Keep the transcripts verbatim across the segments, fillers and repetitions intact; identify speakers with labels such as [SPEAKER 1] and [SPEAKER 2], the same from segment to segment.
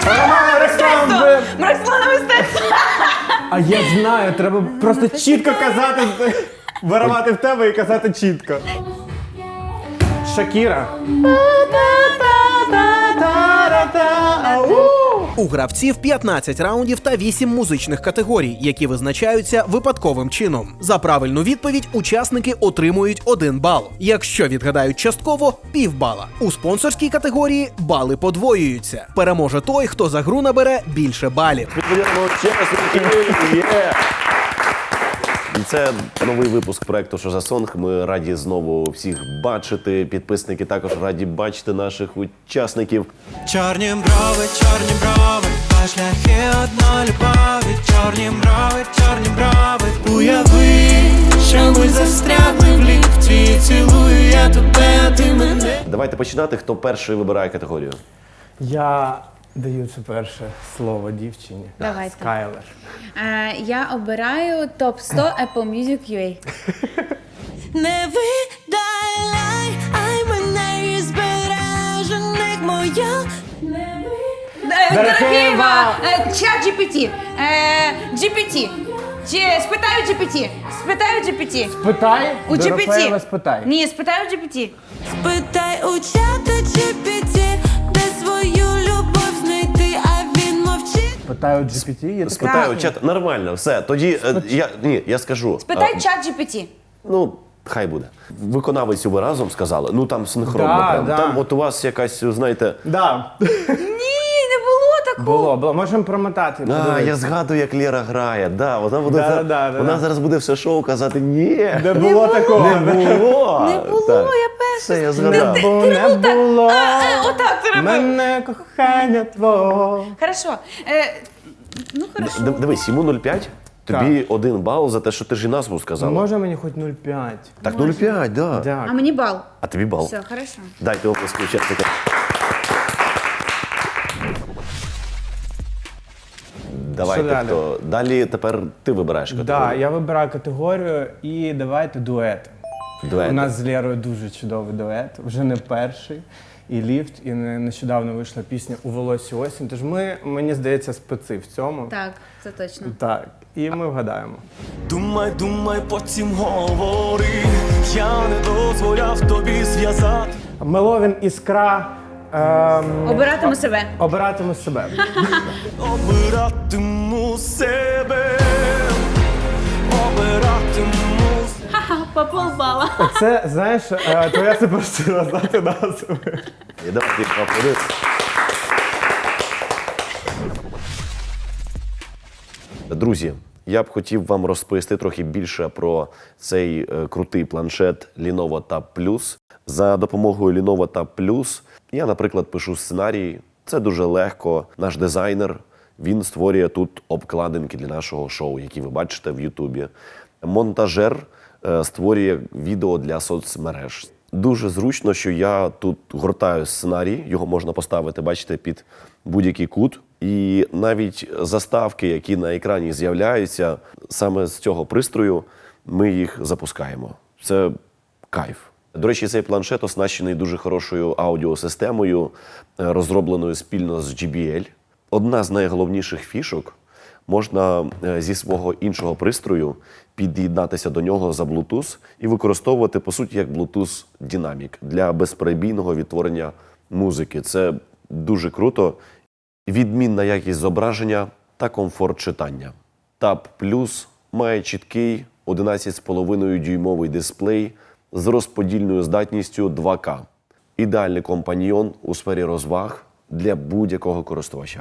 [SPEAKER 1] Роксолана мистецтво!
[SPEAKER 2] А я знаю, треба просто чітко казати, виривати в тебе і казати чітко. Шакіра.
[SPEAKER 3] У гравців п'ятнадцять раундів та вісім музичних категорій, які визначаються випадковим чином. За правильну відповідь учасники отримують один бал. Якщо відгадають частково – півбала. У спонсорській категорії бали подвоюються. Переможе той, хто за гру набере більше балів.
[SPEAKER 4] І це новий випуск проекту «Що за сонг». Ми раді знову всіх бачити. Підписники також раді бачити наших учасників.
[SPEAKER 5] Чорні брови, чорні брови, два шляхи одної любові. Чорні брови, чорні брови. Уяви, що ми застрягли в ліфті. Цілую я тебе, а ти мене.
[SPEAKER 4] Давайте починати. Хто перший вибирає категорію?
[SPEAKER 2] Я даю це перше слово дівчині.
[SPEAKER 1] Давайте.
[SPEAKER 2] Скайлер.
[SPEAKER 1] Е, я обираю топ сто Apple Music ю ей.
[SPEAKER 5] Не видай лай, ай мене із збережених моя. Не видай.
[SPEAKER 1] Дорофєєва, чат джі пі ті. джі пі ті. Чи спитаю джі пі ті? Спитаю джі пі ті.
[SPEAKER 2] Спитай,
[SPEAKER 1] У джі пі ті.
[SPEAKER 2] Дорофеєва спитай.
[SPEAKER 1] Ні, спитаю джі пі ті.
[SPEAKER 5] Спитай у чата джі пі ті, де свою любов знайти, а він мовчить.
[SPEAKER 2] Питаю джі пі ті, є таке?
[SPEAKER 4] Спитаю чат. Нормально, все. Тоді е, я, ні, я скажу.
[SPEAKER 1] Спитай
[SPEAKER 4] А,
[SPEAKER 1] чат джі пі ті.
[SPEAKER 4] Ну, хай буде. Виконавицю ви разом сказали. Ну там синхронно.
[SPEAKER 2] Да,
[SPEAKER 4] прям.
[SPEAKER 2] да.
[SPEAKER 4] Там от у вас якась, знаєте.
[SPEAKER 2] Да.
[SPEAKER 1] Ні, не було такого.
[SPEAKER 2] Було, було. Можемо промотати.
[SPEAKER 4] А,
[SPEAKER 2] подивитися.
[SPEAKER 4] я згадую, як Лера грає. Да, вона буде
[SPEAKER 2] Да,
[SPEAKER 4] за-
[SPEAKER 2] да, да,
[SPEAKER 4] вона
[SPEAKER 2] да.
[SPEAKER 4] зараз буде все шоу казати ні.
[SPEAKER 2] Не було такого.
[SPEAKER 4] Не було.
[SPEAKER 1] Не було,
[SPEAKER 4] Так.
[SPEAKER 1] я перша.
[SPEAKER 4] Все, я згадав.
[SPEAKER 2] Бо не було
[SPEAKER 1] Отак ти робив.
[SPEAKER 2] мене кохання твого.
[SPEAKER 1] Хорошо. Е, ну, хорошо.
[SPEAKER 4] Д- Дивись, йому нуль п'ять, тобі один бал за те, що ти ж і назву сказала.
[SPEAKER 2] Може мені хоч нуль п'ять?
[SPEAKER 4] Так, нуль п'ять, да.
[SPEAKER 1] А
[SPEAKER 2] Дякую.
[SPEAKER 1] мені бал.
[SPEAKER 4] А тобі бал.
[SPEAKER 1] Все, хорошо.
[SPEAKER 4] Дайте оплески учасникам. Давайте,
[SPEAKER 2] Що далі?
[SPEAKER 4] хто. Далі тепер ти вибираєш категорію.
[SPEAKER 2] Да, я вибираю категорію і давайте дуети.
[SPEAKER 4] Дуети.
[SPEAKER 2] У нас з Лєрою дуже чудовий дует, вже не перший. І ліфт, і не- нещодавно вийшла пісня «У волосі осінь». Тож ми, мені здається, специ в цьому.
[SPEAKER 1] Так, це точно.
[SPEAKER 2] Так, і ми вгадаємо.
[SPEAKER 5] Думай, думай, потім говори. Я не дозволяв тобі зв'язати.
[SPEAKER 2] Меловін «Іскра». Ем,
[SPEAKER 1] Обиратиму себе.
[SPEAKER 2] обиратиму себе.
[SPEAKER 5] Обиратиму себе. Обиратиму.
[SPEAKER 1] Ха-ха, по полбала.
[SPEAKER 2] Це, знаєш, е, твоя суперсила знати назву.
[SPEAKER 4] І давайте їх поаплодуємо. Друзі, я б хотів вам розповісти трохи більше про цей е, крутий планшет Lenovo Tab Plus. За допомогою Lenovo Tab Plus я, наприклад, пишу сценарії. Це дуже легко. Наш дизайнер, він створює тут обкладинки для нашого шоу, які ви бачите в Ютубі. Монтажер е, створює відео для соцмереж. Дуже зручно, що я тут гортаю сценарій, його можна поставити, бачите, під будь-який кут. І навіть заставки, які на екрані з'являються, саме з цього пристрою ми їх запускаємо. Це кайф. До речі, цей планшет оснащений дуже хорошою аудіосистемою, е, розробленою спільно з джей бі ел. Одна з найголовніших фішок – можна е, зі свого іншого пристрою під'єднатися до нього за Bluetooth і використовувати, по суті, як Bluetooth динамік для безперебійного відтворення музики. Це дуже круто. Відмінна якість зображення та комфорт читання. Tab Plus має чіткий одинадцять цілих п'ять десятих дюймовий дисплей з розподільною здатністю два ка. Ідеальний компаньйон у сфері розваг для будь-якого користувача.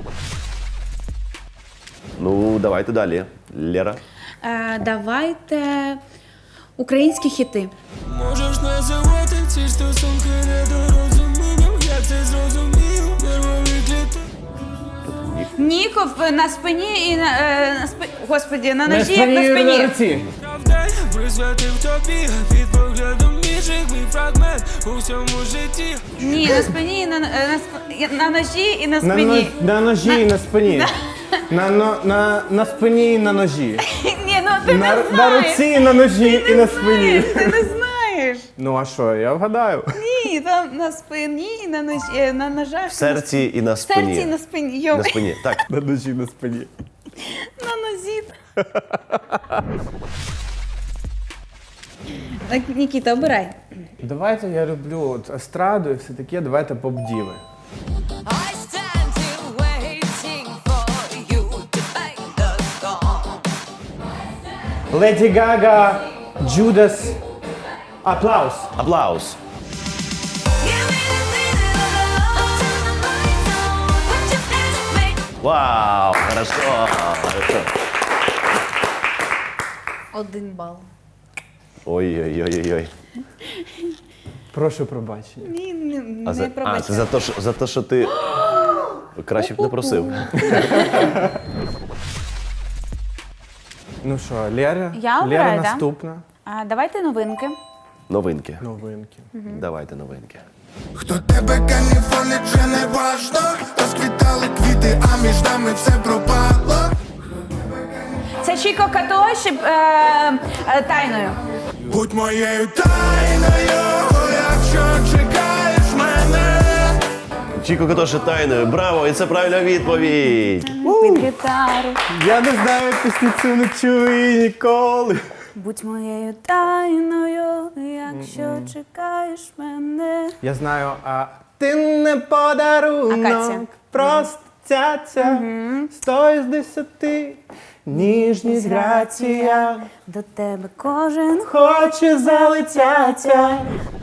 [SPEAKER 4] Ну, давайте далі. Лера.
[SPEAKER 1] Е, давайте українські хіти.
[SPEAKER 5] Можеш називати ці стосунки недорозумінням. Я це зрозумів. Нервові клітини.
[SPEAKER 1] Ніков на спині і на, е, на спині. Господі, на
[SPEAKER 2] На
[SPEAKER 1] ножі, як на
[SPEAKER 2] спині і на
[SPEAKER 1] спині.
[SPEAKER 2] руці.
[SPEAKER 5] Правда, присвятив тобі під поглядом інших мій фрагмент у всьому житті.
[SPEAKER 1] Ні, на спині, і на, е, на, сп- на ножі і на
[SPEAKER 2] На,
[SPEAKER 1] спині.
[SPEAKER 2] но- на ножі і на спині. На, но- на, на спині і на ножі.
[SPEAKER 1] Ні, ну ти
[SPEAKER 2] На,
[SPEAKER 1] не
[SPEAKER 2] на
[SPEAKER 1] знаєш.
[SPEAKER 2] руці і на ножі і на
[SPEAKER 1] Ти
[SPEAKER 2] спині.
[SPEAKER 1] знаєш, Ти не знаєш. вгадаєш.
[SPEAKER 2] Ну а що, я вгадаю?
[SPEAKER 1] Ні, там на спині, на ножі, на ножах.
[SPEAKER 4] В серці і на
[SPEAKER 1] В
[SPEAKER 4] спині.
[SPEAKER 1] серці і на спині. Йо,
[SPEAKER 4] На спині. Так.
[SPEAKER 2] На ножі на спині.
[SPEAKER 1] на нозі. Так, Нікіта, обирай.
[SPEAKER 2] Давайте я люблю от естраду і все таке, давайте поп-діви.
[SPEAKER 6] I stand here waiting for you to make the song.
[SPEAKER 2] Леді Гага, Джудас, Аплаус.
[SPEAKER 4] Аплаус.
[SPEAKER 6] Give me the feeling of love. Turn the lights on. Put your hands up, make
[SPEAKER 4] Вау! Хорошо! Хорошо.
[SPEAKER 1] Один бал.
[SPEAKER 4] Ой-ой-ой-ой.
[SPEAKER 2] Прошу пробачення.
[SPEAKER 1] Ні, не,
[SPEAKER 4] А,
[SPEAKER 1] не
[SPEAKER 4] за, а
[SPEAKER 1] пробачай.
[SPEAKER 4] це за те, що, за те, що ти краще б не просив.
[SPEAKER 2] Ну що, Лера?
[SPEAKER 1] Я
[SPEAKER 2] Лера
[SPEAKER 1] обираю, да?
[SPEAKER 2] наступна.
[SPEAKER 1] А, давайте новинки.
[SPEAKER 4] Новинки.
[SPEAKER 2] Новинки.
[SPEAKER 4] Давайте новинки.
[SPEAKER 7] Хто тебе каніфолить, вже не важно. Розквітали квіти, а між нами все пропало.
[SPEAKER 1] Це Чіко Като ще е, е, тайною.
[SPEAKER 7] Будь моєю тайною, якщо чекаєш мене.
[SPEAKER 4] Чіко Катоші тайною. Браво! І це правильна відповідь!
[SPEAKER 1] Під гітару.
[SPEAKER 2] Я не знаю пісні цю не чую ніколи.
[SPEAKER 1] Будь моєю тайною, якщо чекаєш мене.
[SPEAKER 2] Я знаю, а ти не подарунок,
[SPEAKER 1] Акація.
[SPEAKER 2] просто цяця, сто із десяти, ніжність, грація,
[SPEAKER 1] До тебе кожен
[SPEAKER 2] хоче залетяться.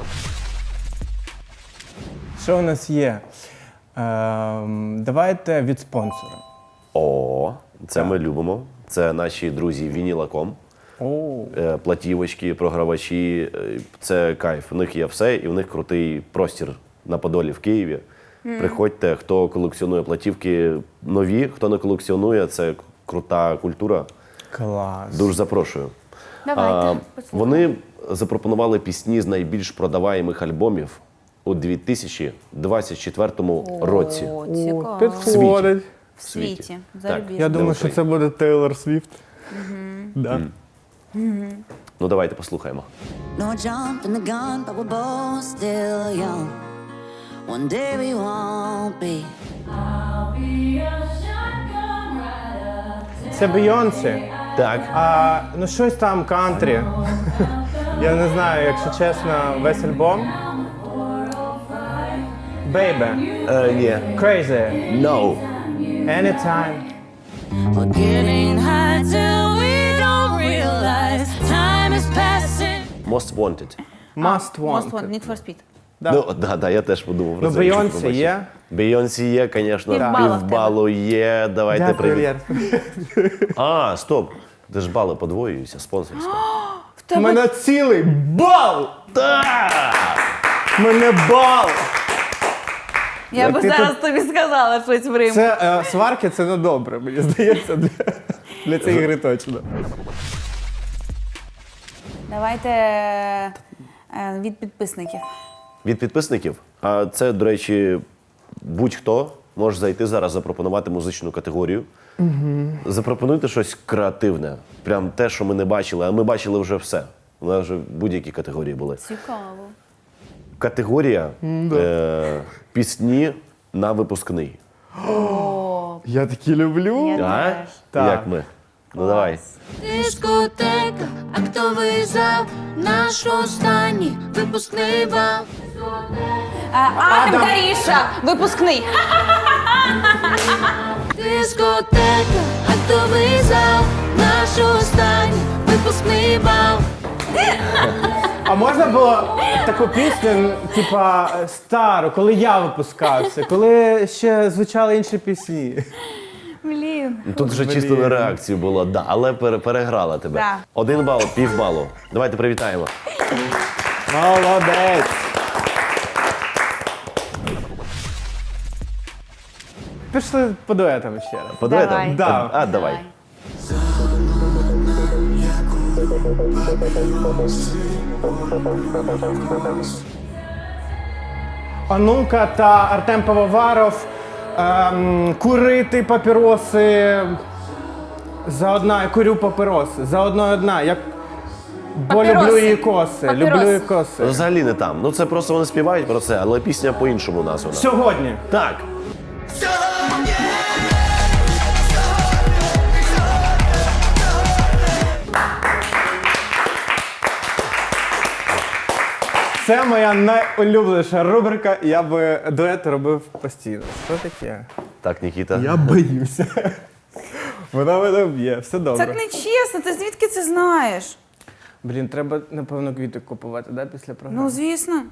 [SPEAKER 2] Що у нас є? Ем, давайте від спонсора.
[SPEAKER 4] О, це ми любимо. Це наші друзі Вінілаком.
[SPEAKER 2] О,
[SPEAKER 4] Е, Платівочки, програвачі. Е, Це кайф. У них є все, і в них крутий простір на Подолі в Києві. Приходьте, хто колекціонує платівки нові, хто не колекціонує, це крута культура.
[SPEAKER 2] клас.
[SPEAKER 4] Дуже запрошую.
[SPEAKER 1] Давайте, послухаємо.
[SPEAKER 4] Вони запропонували пісні з найбільш продаваємих альбомів у дві тисячі двадцять четвертому році.
[SPEAKER 1] О,
[SPEAKER 2] О,
[SPEAKER 1] цікаво.
[SPEAKER 2] підходить.
[SPEAKER 1] В світі.
[SPEAKER 4] Так.
[SPEAKER 1] Зарубіжно.
[SPEAKER 2] Я думаю, що це буде Тейлор Свіфт. Да.
[SPEAKER 4] Ну давайте послухаємо.
[SPEAKER 6] No jump in the gun, but we're both still young. One day we won't be.
[SPEAKER 2] Це Бейонсі.
[SPEAKER 4] Так.
[SPEAKER 2] А, ну щось там кантрі. Я не знаю, якщо чесно, весь альбом. Baby,
[SPEAKER 4] Е, ні.
[SPEAKER 2] Crazy,
[SPEAKER 4] No.
[SPEAKER 2] Anytime.
[SPEAKER 6] We're getting high till we don't realize time is passing.
[SPEAKER 4] Most Wanted.
[SPEAKER 2] Must Want.
[SPEAKER 1] Most Wanted, Need for Speed.
[SPEAKER 2] Да.
[SPEAKER 4] Ну, да, да, я теж подумав про
[SPEAKER 2] Ну,
[SPEAKER 4] це.
[SPEAKER 2] Бейонсі
[SPEAKER 4] якщо побачив.
[SPEAKER 2] є.
[SPEAKER 4] Бейонсі є, звісно,
[SPEAKER 1] Півбала в
[SPEAKER 4] півбалу є. Давайте
[SPEAKER 2] Дякую,
[SPEAKER 4] привіт.
[SPEAKER 2] Лєр.
[SPEAKER 4] А, стоп. Де ж бали подвоюються, спонсорська.
[SPEAKER 2] У мене цілий бал!
[SPEAKER 4] Так!
[SPEAKER 2] У мене бал!
[SPEAKER 1] Я би
[SPEAKER 2] ти
[SPEAKER 1] зараз
[SPEAKER 2] тут-
[SPEAKER 1] тобі сказала щось в Рим.
[SPEAKER 2] Це е, сварки, це не добре, мені здається, для, для цієї гри точно.
[SPEAKER 1] Давайте е, від підписників.
[SPEAKER 4] Від підписників. А це, до речі, будь-хто може зайти зараз, запропонувати музичну категорію. Угу. Запропонуйте щось креативне. Прям те, що ми не бачили, а ми бачили вже все. У нас вже будь-які категорії були.
[SPEAKER 1] Цікаво.
[SPEAKER 4] Категорія е, пісні на випускний.
[SPEAKER 2] Я такі люблю.
[SPEAKER 1] Я
[SPEAKER 4] А?
[SPEAKER 1] теж.
[SPEAKER 2] Так.
[SPEAKER 4] Як ми? Ну давай.
[SPEAKER 6] Дискотека, актовий зал, наш останній випускний бал.
[SPEAKER 1] А, Артем Гаріша, випускний.
[SPEAKER 6] Дискотека, актовий зал, наш останній випускний бал.
[SPEAKER 2] А можна було таку пісню, типа стару, коли я випускався, коли ще звучали інші пісні.
[SPEAKER 1] Блін.
[SPEAKER 4] Тут вже чисто на реакцію було, да, але пере- переграла тебе.
[SPEAKER 1] Да.
[SPEAKER 4] Один бал, пів балу. Давайте привітаємо.
[SPEAKER 2] Молодець! Пішли по дуетам ще раз.
[SPEAKER 4] По дуетам?
[SPEAKER 1] Давай.
[SPEAKER 2] Да.
[SPEAKER 4] А, давай.
[SPEAKER 2] Анука та Артем Пивоваров ем, курити папіроси. За одна, я курю папіроси. За одною одна. Як Бо
[SPEAKER 1] Папіроси.
[SPEAKER 2] люблю її коси,
[SPEAKER 1] Папіроси.
[SPEAKER 2] люблю її коси.
[SPEAKER 4] Взагалі не там. Ну це просто вони співають про це, але пісня по-іншому названа.
[SPEAKER 2] Сьогодні.
[SPEAKER 4] Так.
[SPEAKER 2] Це моя найулюбленіша рубрика, я би дует робив постійно. Що таке?
[SPEAKER 4] Так, Нікіта.
[SPEAKER 2] Я боюся. Вона мене б'є, все добре.
[SPEAKER 1] Так не чесно, ти звідки це знаєш?
[SPEAKER 2] Блін, треба, напевно, квіти купувати, да, після програми?
[SPEAKER 1] Ну, звісно.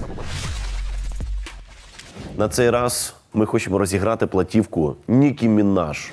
[SPEAKER 4] На цей раз ми хочемо розіграти платівку Нікі Мінаж.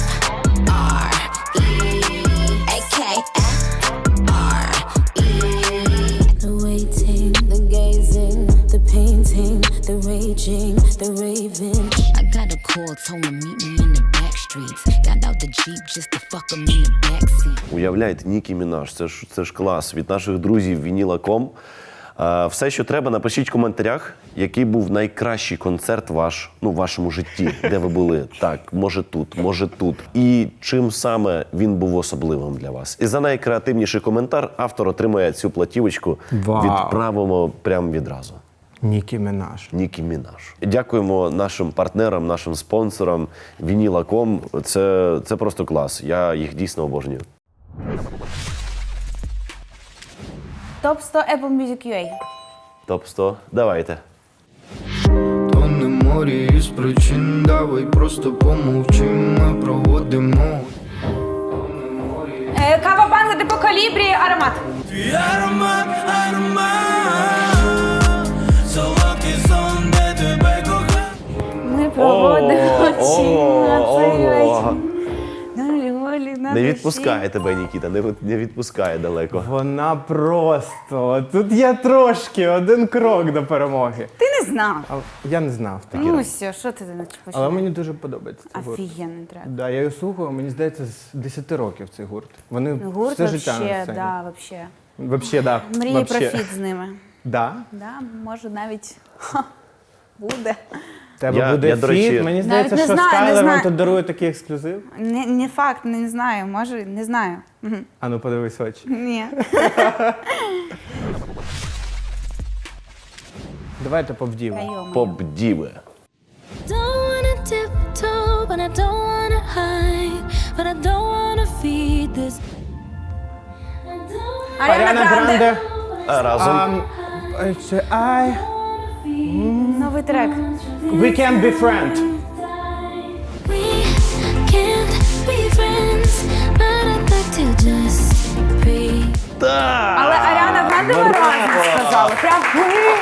[SPEAKER 6] The waiting, the gazing, the painting, the raging, the raving. I got a call, told him meet me in the back streets. Got out the Jeep just to fuck him in the backseat.
[SPEAKER 4] Уявляєте, Нікі Мінаж, це ж, це ж клас. Від наших друзів Вініла точка ком. А, все, що треба, напишіть в коментарях, який був найкращий концерт ваш, ну, в вашому житті, де ви були. Так, може тут, може тут. І чим саме він був особливим для вас. І за найкреативніший коментар автор отримує цю платівочку.
[SPEAKER 2] Вау.
[SPEAKER 4] Відправимо прямо відразу.
[SPEAKER 2] Нікі Мінаж.
[SPEAKER 4] Нікі Мінаж. Дякуємо нашим партнерам, нашим спонсорам Вініла точка ком. Це, це просто клас. Я їх дійсно обожнюю.
[SPEAKER 1] Топ сто Apple Music ю ей.
[SPEAKER 4] Топ сто. Давайте.
[SPEAKER 5] То не морі із причин, давай просто помовчим, ми проводимо.
[SPEAKER 1] Е, Кава банга де по калібрі, аромат.
[SPEAKER 5] Твій аромат, аромат, солодкий сон, де тебе кохаю.
[SPEAKER 1] Ми проводимо
[SPEAKER 4] О,
[SPEAKER 1] чин на
[SPEAKER 4] о,
[SPEAKER 1] цей
[SPEAKER 4] о.
[SPEAKER 1] вечір. На льолі, на
[SPEAKER 4] Не
[SPEAKER 1] душі.
[SPEAKER 4] відпускає тебе, Нікіта, не, від- не відпускає далеко.
[SPEAKER 2] Вона просто. Тут є трошки, один крок до перемоги.
[SPEAKER 1] Ти не знав.
[SPEAKER 2] Але я не знав так.
[SPEAKER 1] Ну все, що ти не почав?
[SPEAKER 2] Але мені дуже подобається цей гурт.
[SPEAKER 1] Офігенний трек.
[SPEAKER 2] Да, я його слухаю, мені здається, з десяти років цей гурт. Вони
[SPEAKER 1] Гурт
[SPEAKER 2] все життя на
[SPEAKER 1] вообще,
[SPEAKER 2] сцені.
[SPEAKER 1] да, вообще.
[SPEAKER 2] Вообще, да.
[SPEAKER 1] Мрії
[SPEAKER 2] Вообще.
[SPEAKER 1] про фіт з ними.
[SPEAKER 2] Да?
[SPEAKER 1] Да, може навіть ха, буде.
[SPEAKER 2] В Тебе
[SPEAKER 4] Я-
[SPEAKER 2] буде
[SPEAKER 4] я, до
[SPEAKER 2] фіт.
[SPEAKER 4] речі-
[SPEAKER 2] Мені
[SPEAKER 1] Навіть
[SPEAKER 2] здається,
[SPEAKER 1] не
[SPEAKER 2] що
[SPEAKER 1] знаю, не
[SPEAKER 2] Скайлер вам
[SPEAKER 1] знаю.
[SPEAKER 2] тут дарує такий ексклюзив.
[SPEAKER 1] Не, не факт, не знаю, може, не знаю. Мгм.
[SPEAKER 2] А ну подивись в очі.
[SPEAKER 1] Ні.
[SPEAKER 2] Давайте повдімо.
[SPEAKER 1] Йо-моє.
[SPEAKER 4] Поп-діви.
[SPEAKER 6] Don't wanna tiptoe, but I don't wanna hide, but I don't wanna feed this.
[SPEAKER 1] Аріана Гранде.
[SPEAKER 4] А разом.
[SPEAKER 2] Um, це I...
[SPEAKER 1] Новий трек.
[SPEAKER 2] We can be friends.
[SPEAKER 6] We can't be friends, but I'd like to just breathe.
[SPEAKER 4] Так!
[SPEAKER 1] Але Аріана Гранде ми разом сказали. Прям ви.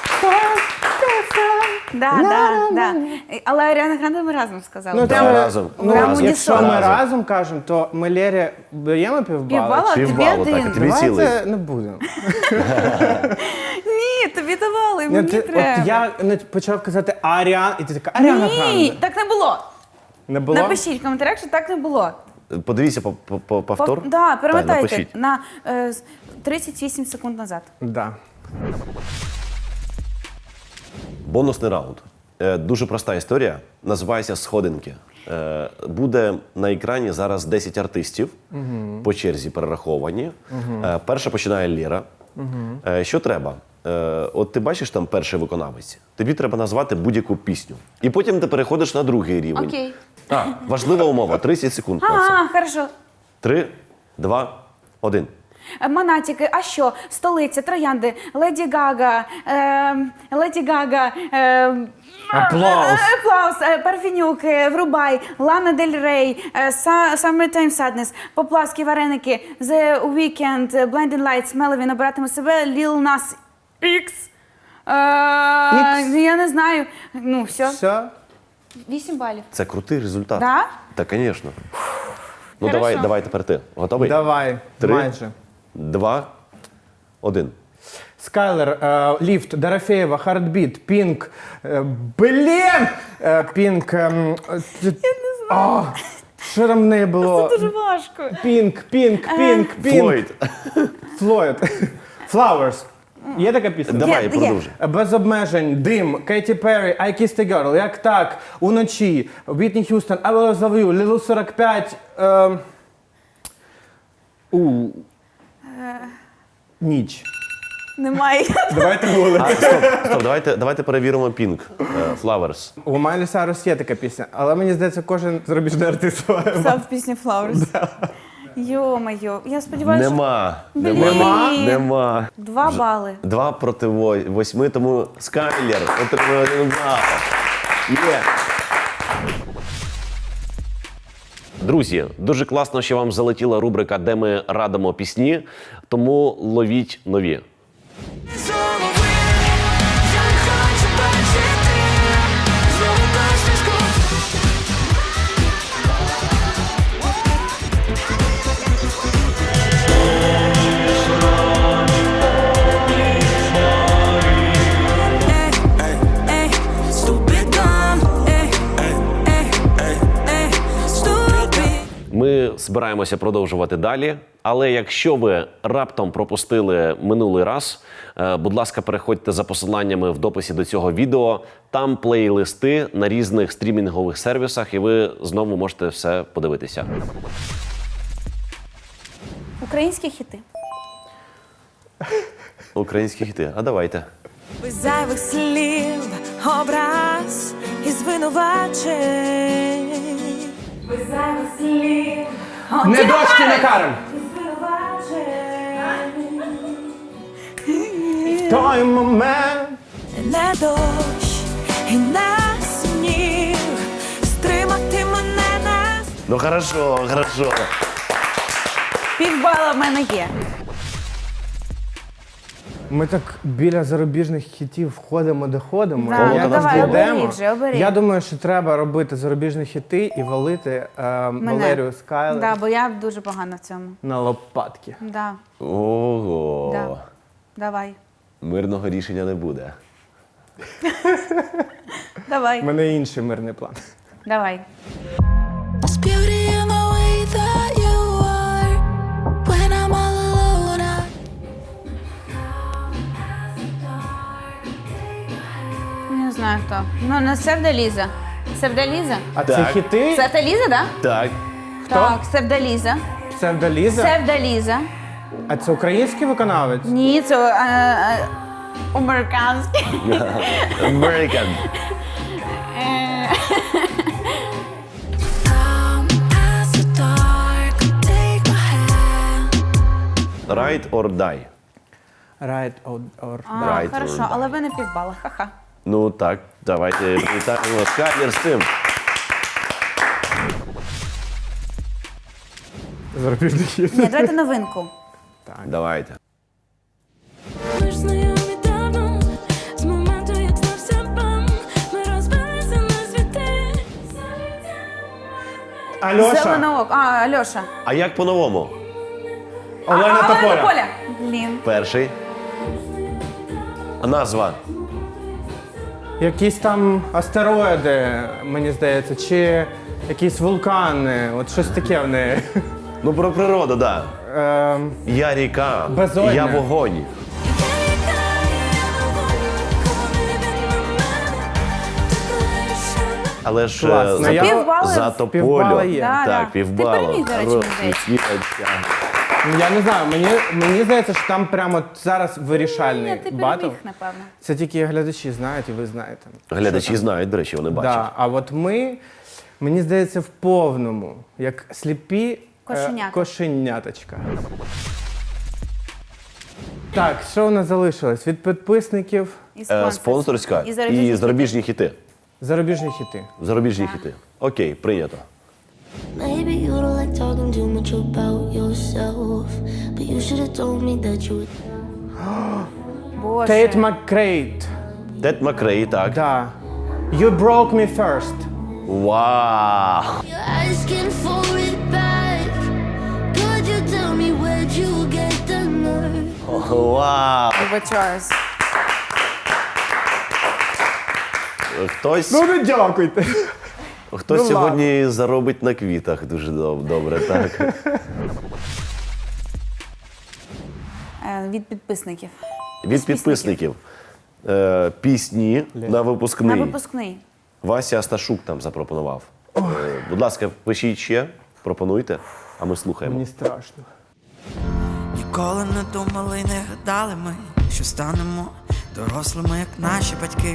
[SPEAKER 1] Да, да, да. Але Аріана Гранде ми разом сказали.
[SPEAKER 2] Ну,
[SPEAKER 1] Прям
[SPEAKER 4] Да,
[SPEAKER 2] це-
[SPEAKER 4] разом.
[SPEAKER 2] Ну,
[SPEAKER 1] Прям
[SPEAKER 2] якщо
[SPEAKER 1] унісон.
[SPEAKER 2] ми
[SPEAKER 4] Разом.
[SPEAKER 2] разом кажемо, то ми Лері даємо півбали?
[SPEAKER 1] Півбала, тобі
[SPEAKER 4] Півбалу, так,
[SPEAKER 1] один.
[SPEAKER 4] і тобі цілий.
[SPEAKER 2] Давайте не будемо.
[SPEAKER 1] Ні, тобі давали,
[SPEAKER 2] Ні,
[SPEAKER 1] мені
[SPEAKER 2] ти-
[SPEAKER 1] треба.
[SPEAKER 2] От я не почав казати Аріан, і ти така Аріана
[SPEAKER 1] Ні,
[SPEAKER 2] Гранде.
[SPEAKER 1] так не було.
[SPEAKER 2] Не було?
[SPEAKER 1] Напишіть в коментарях, що так не було.
[SPEAKER 4] Подивіться по, по, по повтор.
[SPEAKER 1] Пов- Да,
[SPEAKER 4] Та,
[SPEAKER 1] перемотайте
[SPEAKER 4] напишіть.
[SPEAKER 1] на е, з- тридцять вісім секунд назад.
[SPEAKER 2] Да.
[SPEAKER 4] Бонусний раунд. Е, Дуже проста історія. Називається Сходинки. Е, Буде на екрані зараз десять артистів по черзі перераховані. Е, Перша починає Лєра. Е, Що треба? Е, От ти бачиш там перший виконавець. Тобі треба назвати будь-яку пісню. І потім ти переходиш на другий рівень.
[SPEAKER 1] Окей.
[SPEAKER 4] А, важлива умова. тридцять секунд на це.
[SPEAKER 1] Ага, хорошо.
[SPEAKER 4] Три, два, один.
[SPEAKER 1] Е, Монатіки, а що? Столиця, троянди, Леді Гага, е, Леді Гага, е,
[SPEAKER 2] Аплаус.
[SPEAKER 1] е, Аплаус, е, Парфенюк, е, Врубай, Лана Дель Рей, е, Са- Summertime Sadness, Поплавські вареники, The Weeknd, е, Blinding Lights, Меловін, Обиратиме себе, Lil Nas X. Е,
[SPEAKER 2] Ікс?
[SPEAKER 1] Я не знаю. Ну, все.
[SPEAKER 2] Все?
[SPEAKER 1] Вісім балів.
[SPEAKER 4] Це крутий результат.
[SPEAKER 1] Да?
[SPEAKER 4] Так, звісно. Ну
[SPEAKER 1] Хорошо.
[SPEAKER 4] давай, давай тепер ти. Готовий?
[SPEAKER 2] Давай,
[SPEAKER 4] Три.
[SPEAKER 2] майже.
[SPEAKER 4] Два, один.
[SPEAKER 2] Скайлер, е, Ліфт, Дорофеєва, Хардбіт, Пінк. е, Блін! Е, Пінк. ем, е, т- а, Що там в неї було?
[SPEAKER 1] Дуже важко.
[SPEAKER 2] Пінк, Пінк, Пінк, Пінк.
[SPEAKER 4] Флойд.
[SPEAKER 2] Флойд. Flowers. Є така пісня?
[SPEAKER 4] Давай,
[SPEAKER 1] є.
[SPEAKER 4] продовжуй.
[SPEAKER 2] Без обмежень, Дим, Кейті Перрі, I Kissed a Girl, Як так, Уночі, Вітні Х'юстон, I Will Love You, Лілу сорок п'ять. Е, у, Ніч.
[SPEAKER 1] Немає.
[SPEAKER 2] Давайте вулицю.
[SPEAKER 4] А, стоп, стоп, давайте, давайте перевіримо Pink. Е, Flowers.
[SPEAKER 2] У Майлі Сайрус є така пісня, але мені здається, кожен зарубіжний артист.
[SPEAKER 1] Писав пісню Flowers. Йо-моє, я сподіваюся,
[SPEAKER 4] Нема.
[SPEAKER 1] Блін.
[SPEAKER 4] Нема. Нема.
[SPEAKER 1] що два бали.
[SPEAKER 4] Два проти во- восьми, тому Скайлер отримує один бал. Є. Друзі, дуже класно, що вам залетіла рубрика, де ми радимо пісні, тому ловіть нові.
[SPEAKER 5] Знову ви, я не хочу бачити, знову посмішку. Ей, ей, stupid dumb. Ей, ей, ей, ей, stupid.
[SPEAKER 4] Ми збираємося продовжувати далі. Але якщо ви раптом пропустили минулий раз, е, будь ласка, переходьте за посиланнями в дописі до цього відео. Там плейлисти на різних стрімінгових сервісах, і ви знову можете все подивитися.
[SPEAKER 1] Українські хіти.
[SPEAKER 4] Українські хіти. А давайте.
[SPEAKER 5] Без зайвих слів, образ і звинувачень. Без зайвих слів,
[SPEAKER 2] Не дощ, не карем!
[SPEAKER 5] і звинувачень.
[SPEAKER 2] В той момент.
[SPEAKER 5] Не дощ і не сніг, стримати мене не
[SPEAKER 4] Ну хорошо, хорошо.
[SPEAKER 1] Півбала в мене є.
[SPEAKER 2] Ми так біля зарубіжних хітів входимо, доходимо.
[SPEAKER 1] Да,
[SPEAKER 2] Як
[SPEAKER 1] ну давай,
[SPEAKER 2] дійдемо.
[SPEAKER 1] обери вже, обери.
[SPEAKER 2] Я думаю, що треба робити зарубіжні хіти і валити е, Валерію Скайлер
[SPEAKER 1] Да, бо я дуже погана в цьому.
[SPEAKER 2] на лопатки.
[SPEAKER 1] Да,
[SPEAKER 4] Ого.
[SPEAKER 1] да. Давай.
[SPEAKER 4] Мирного рішення не буде.
[SPEAKER 2] У
[SPEAKER 1] Давай.
[SPEAKER 2] мене інший мирний план.
[SPEAKER 1] Давай.
[SPEAKER 6] There's beauty in the way that you are. When I'm all alone, I
[SPEAKER 1] Не знаю хто. Ну, не Севдаліза. Севдаліза?
[SPEAKER 2] А
[SPEAKER 4] Так.
[SPEAKER 2] це хіти?
[SPEAKER 1] Севдаліза, да?
[SPEAKER 4] Так.
[SPEAKER 1] Так, Севдаліза.
[SPEAKER 2] Псевдоліза?
[SPEAKER 1] Севдаліза.
[SPEAKER 2] А це український виконавець?
[SPEAKER 1] Ні, це е, е, американський.
[SPEAKER 4] American.
[SPEAKER 1] Е,
[SPEAKER 6] come as the dark, take my hand.
[SPEAKER 4] Ride or die.
[SPEAKER 2] Right or, or
[SPEAKER 1] А,
[SPEAKER 4] Right,
[SPEAKER 1] хорошо,
[SPEAKER 4] right.
[SPEAKER 1] але ви не півбала. Ха-ха.
[SPEAKER 4] Ну так, давайте привітаємо Скайлер з цим.
[SPEAKER 2] зарубіжний хіт.
[SPEAKER 1] Ні, давайте новинку.
[SPEAKER 4] Давайте.
[SPEAKER 6] Ми ж знайомі давно, з моменту, як стався бам. Ми розбилися на світи.
[SPEAKER 2] Альоша,
[SPEAKER 1] Зеленоок. А, Альоша.
[SPEAKER 4] А як по-новому?
[SPEAKER 2] Олена
[SPEAKER 1] а, Олена
[SPEAKER 2] Тополя.
[SPEAKER 1] Тополя. Блін.
[SPEAKER 4] Перший. Назва.
[SPEAKER 2] Якісь там астероїди, мені здається, чи якісь вулкани, от щось таке в неї.
[SPEAKER 4] Ну про природу, так. Да.
[SPEAKER 2] Ем,
[SPEAKER 4] Я ріка,
[SPEAKER 2] Безодня.
[SPEAKER 4] я вогонь. Але ж
[SPEAKER 2] Класно.
[SPEAKER 4] е,
[SPEAKER 2] Я-
[SPEAKER 4] за,
[SPEAKER 1] Півбали
[SPEAKER 4] за
[SPEAKER 1] в-
[SPEAKER 4] тополю.
[SPEAKER 2] півбала є.
[SPEAKER 1] Да,
[SPEAKER 4] Так,
[SPEAKER 1] да.
[SPEAKER 4] півбала.
[SPEAKER 1] Ти переміг, до речі,
[SPEAKER 4] Хорош,
[SPEAKER 1] мені здається.
[SPEAKER 4] Нікіточка.
[SPEAKER 2] Я не знаю, мені, мені здається, що там прямо зараз вирішальний
[SPEAKER 1] Ні, ти
[SPEAKER 2] батл.
[SPEAKER 1] переміг, напевно.
[SPEAKER 2] Це тільки глядачі знають і ви знаєте.
[SPEAKER 4] Глядачі знають, до речі, вони бачать.
[SPEAKER 2] Да, а от ми, мені здається, в повному, як сліпі е,
[SPEAKER 1] Кошенята.
[SPEAKER 2] кошеняточка. Так, що у нас залишилось? Від підписників
[SPEAKER 1] І
[SPEAKER 4] Е,
[SPEAKER 1] спонсорська.
[SPEAKER 4] Спонсорська
[SPEAKER 1] І зарубіжні
[SPEAKER 4] і зарубіжні хіти.
[SPEAKER 2] зарубіжні хіти.
[SPEAKER 4] Зарубіжні хіти. Окей, прийнято.
[SPEAKER 6] Maybe you don't like talking too much about yourself, but you should have told me that you would.
[SPEAKER 1] Боже.
[SPEAKER 2] Тейт Маккрейт.
[SPEAKER 4] Тед Макрей, так.
[SPEAKER 2] Да. You broke me first.
[SPEAKER 4] Вау!
[SPEAKER 6] You're asking for it back. Could you tell me where'd you get the nerve?
[SPEAKER 4] Вау!
[SPEAKER 1] Вибачаюсь.
[SPEAKER 4] Хтось,
[SPEAKER 2] Ну не дякуйте.
[SPEAKER 4] хтось
[SPEAKER 2] ну
[SPEAKER 4] сьогодні заробить на квітах дуже доб- добре, так.
[SPEAKER 1] Е, Від підписників.
[SPEAKER 4] Від підписників. Е, пісні на
[SPEAKER 1] На
[SPEAKER 4] випускний.
[SPEAKER 1] випускний.
[SPEAKER 4] Вася Асташук там запропонував. Е, будь ласка, пишіть ще, пропонуйте, а ми слухаємо.
[SPEAKER 2] Мені страшно.
[SPEAKER 5] You Ніколи не думали, не гадали ми, що станемо дорослими, як наші батьки.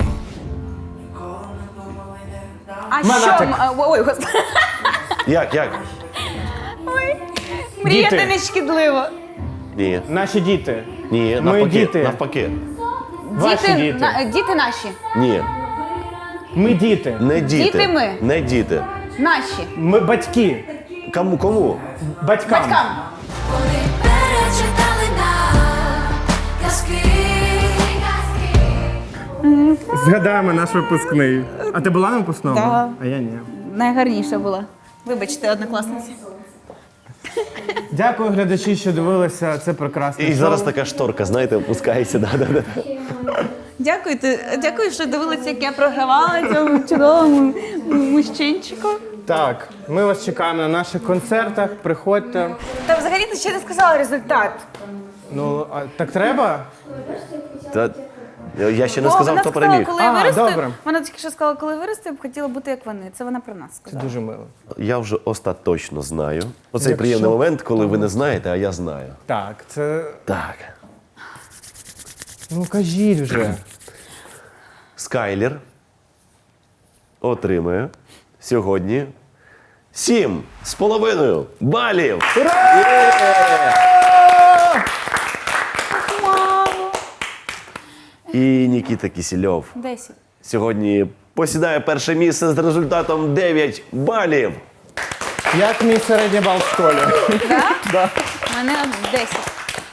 [SPEAKER 1] А
[SPEAKER 2] Монатик.
[SPEAKER 1] що? м- а, Ой, господи.
[SPEAKER 4] Як, як?
[SPEAKER 1] Мріяти
[SPEAKER 2] Діти.
[SPEAKER 1] не шкідливо.
[SPEAKER 4] Ні.
[SPEAKER 2] Наші діти.
[SPEAKER 4] Ні,
[SPEAKER 2] Ми
[SPEAKER 4] навпаки.
[SPEAKER 2] діти.
[SPEAKER 4] Навпаки.
[SPEAKER 2] Ваші діти.
[SPEAKER 1] на- діти наші.
[SPEAKER 4] Ні.
[SPEAKER 2] Ми діти.
[SPEAKER 4] Не діти.
[SPEAKER 1] Діти ми.
[SPEAKER 4] Не діти.
[SPEAKER 1] Наші.
[SPEAKER 2] Ми батьки.
[SPEAKER 4] Кому? Кому?
[SPEAKER 2] Батькам.
[SPEAKER 1] Батькам.
[SPEAKER 6] Вони перечитали нам казки.
[SPEAKER 2] Згадаємо наш випускний. А ти була на випускному?
[SPEAKER 1] Да.
[SPEAKER 2] А я ні.
[SPEAKER 1] Найгарніша була. Вибачте, однокласниці.
[SPEAKER 2] Дякую, глядачі, що дивилися. Це прекрасне
[SPEAKER 4] І
[SPEAKER 2] шоу.
[SPEAKER 4] зараз така шторка, знаєте, опускається. Да, да, да.
[SPEAKER 1] Дякую, ти- дякую, що дивилися, як я програвала цьому чудовому мужчинчику.
[SPEAKER 2] Так, ми вас чекаємо на наших концертах. Приходьте.
[SPEAKER 1] Та взагалі ти ще не сказала результат.
[SPEAKER 2] Ну, а так треба?
[SPEAKER 4] Та, я ще не
[SPEAKER 1] О,
[SPEAKER 4] сказав,
[SPEAKER 1] вона
[SPEAKER 4] хто
[SPEAKER 1] сказала,
[SPEAKER 4] переміг.
[SPEAKER 1] коли я
[SPEAKER 2] А,
[SPEAKER 1] виросту.
[SPEAKER 2] добре.
[SPEAKER 1] Вона тільки що сказала, коли виросту, я б хотіла бути як вони. Це вона про нас
[SPEAKER 2] Це
[SPEAKER 1] сказала.
[SPEAKER 2] дуже мило.
[SPEAKER 4] Я вже остаточно знаю. Оцей
[SPEAKER 2] Якщо-
[SPEAKER 4] приємний момент, коли ви не знаєте, а я знаю.
[SPEAKER 2] Так, це.
[SPEAKER 4] Так.
[SPEAKER 2] Ну кажіть вже.
[SPEAKER 4] Скайлер отримує сьогодні сім з половиною балів.
[SPEAKER 1] Мамо.
[SPEAKER 4] І Нікіта Кісільов
[SPEAKER 1] Десять.
[SPEAKER 4] сьогодні посідає перше місце з результатом дев'ять балів.
[SPEAKER 2] Як мій середній бал в школі?
[SPEAKER 1] У мене десять.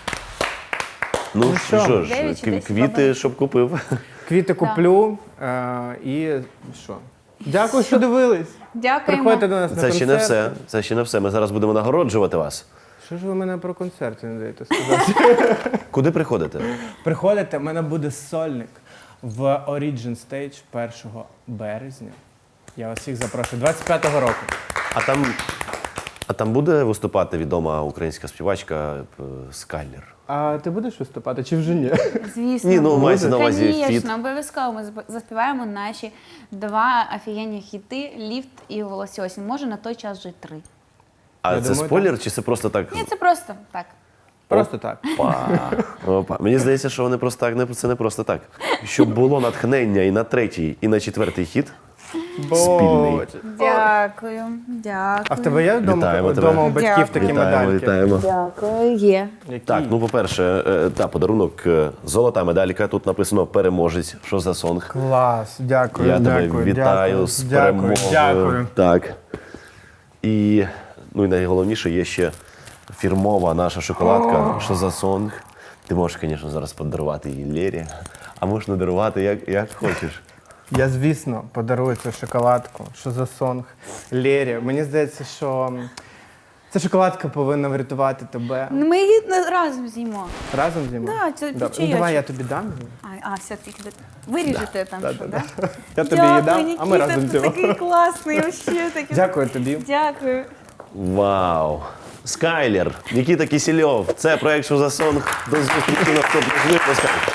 [SPEAKER 4] Ну
[SPEAKER 2] що?
[SPEAKER 4] що ж,
[SPEAKER 1] Дев'ять чи
[SPEAKER 4] кв-
[SPEAKER 1] десять
[SPEAKER 4] квіти,
[SPEAKER 1] балів?
[SPEAKER 4] щоб купив.
[SPEAKER 2] Квіти куплю е, і що? Дякую, що дивились.
[SPEAKER 1] Дякуємо.
[SPEAKER 2] Приходьте до нас на
[SPEAKER 4] Це
[SPEAKER 2] концерт.
[SPEAKER 4] ще не все. Це ще не все. Ми зараз будемо нагороджувати вас.
[SPEAKER 2] Що ж ви мене про концерти не даєте сказати?
[SPEAKER 4] Куди приходите?
[SPEAKER 2] Приходите, в мене буде сольник в Origin Stage першого березня. Я вас всіх запрошую. двадцять п'ятого року.
[SPEAKER 4] А там, а там буде виступати відома українська співачка е, Скайлер?
[SPEAKER 2] А ти будеш виступати чи вже ні?
[SPEAKER 1] Звісно.
[SPEAKER 4] Ні, ну мається на увазі фіт.
[SPEAKER 1] Звісно, обов'язково ми зап- заспіваємо наші два офігенні хіти «Ліфт» і «Волосі осінь». Може, на той час вже три.
[SPEAKER 4] А
[SPEAKER 2] Я
[SPEAKER 4] це
[SPEAKER 2] думаю,
[SPEAKER 4] спойлер, чи це просто так?
[SPEAKER 1] Ні, це просто так.
[SPEAKER 2] Просто так.
[SPEAKER 4] Опа. Опа. Мені здається, що вони просто так, не це не просто так. Щоб було натхнення і на третій, і на четвертий хіт. Спільний.
[SPEAKER 2] Боже.
[SPEAKER 1] Дякую. Дякую.
[SPEAKER 2] А в тебе є вдома,
[SPEAKER 4] Вітаємо тебе.
[SPEAKER 2] вдома у батьків
[SPEAKER 1] Дякую.
[SPEAKER 2] такі
[SPEAKER 4] Вітаємо,
[SPEAKER 2] медальки?
[SPEAKER 4] вітаємо.
[SPEAKER 1] Дякую. Є.
[SPEAKER 2] Які?
[SPEAKER 4] Так, ну по-перше, е, та подарунок е, золота медалька. Тут написано переможець. Що за сонг?
[SPEAKER 2] Клас, дякую,
[SPEAKER 4] Я тебе
[SPEAKER 2] дякую,
[SPEAKER 4] вітаю
[SPEAKER 2] дякую,
[SPEAKER 4] з
[SPEAKER 2] дякую,
[SPEAKER 4] перемогою.
[SPEAKER 2] Дякую.
[SPEAKER 4] Так. І, ну і найголовніше є ще фірмова наша шоколадка. Що за сонг? Ти можеш, звісно, зараз подарувати її Лері, а можеш не дарувати, як, як хочеш.
[SPEAKER 2] Я, звісно, подарую цю шоколадку. Що за сонг? Лері. Мені здається, що м, ця шоколадка повинна врятувати тебе.
[SPEAKER 1] Ми її разом з'їмо.
[SPEAKER 2] Разом зі мною?
[SPEAKER 1] Да, це
[SPEAKER 2] Добре. Ну,
[SPEAKER 1] печійочок.
[SPEAKER 2] давай я тобі дам.
[SPEAKER 1] А, а все, ти виріжете там, що, да?
[SPEAKER 2] Я тобі її дам, а ми
[SPEAKER 1] Нікіта,
[SPEAKER 2] разом
[SPEAKER 1] ти
[SPEAKER 2] з'їмо.
[SPEAKER 1] такий класний, вообще такий.
[SPEAKER 2] Дякую тобі.
[SPEAKER 1] Дякую.
[SPEAKER 4] Вау! Скайлер, Нікіта Кісільов. Це проект «Що за сонг». До зустрічі на наступних випусках.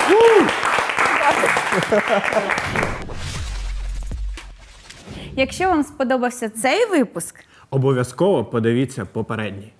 [SPEAKER 1] Якщо вам сподобався цей випуск,
[SPEAKER 2] Обов'язково подивіться попередній.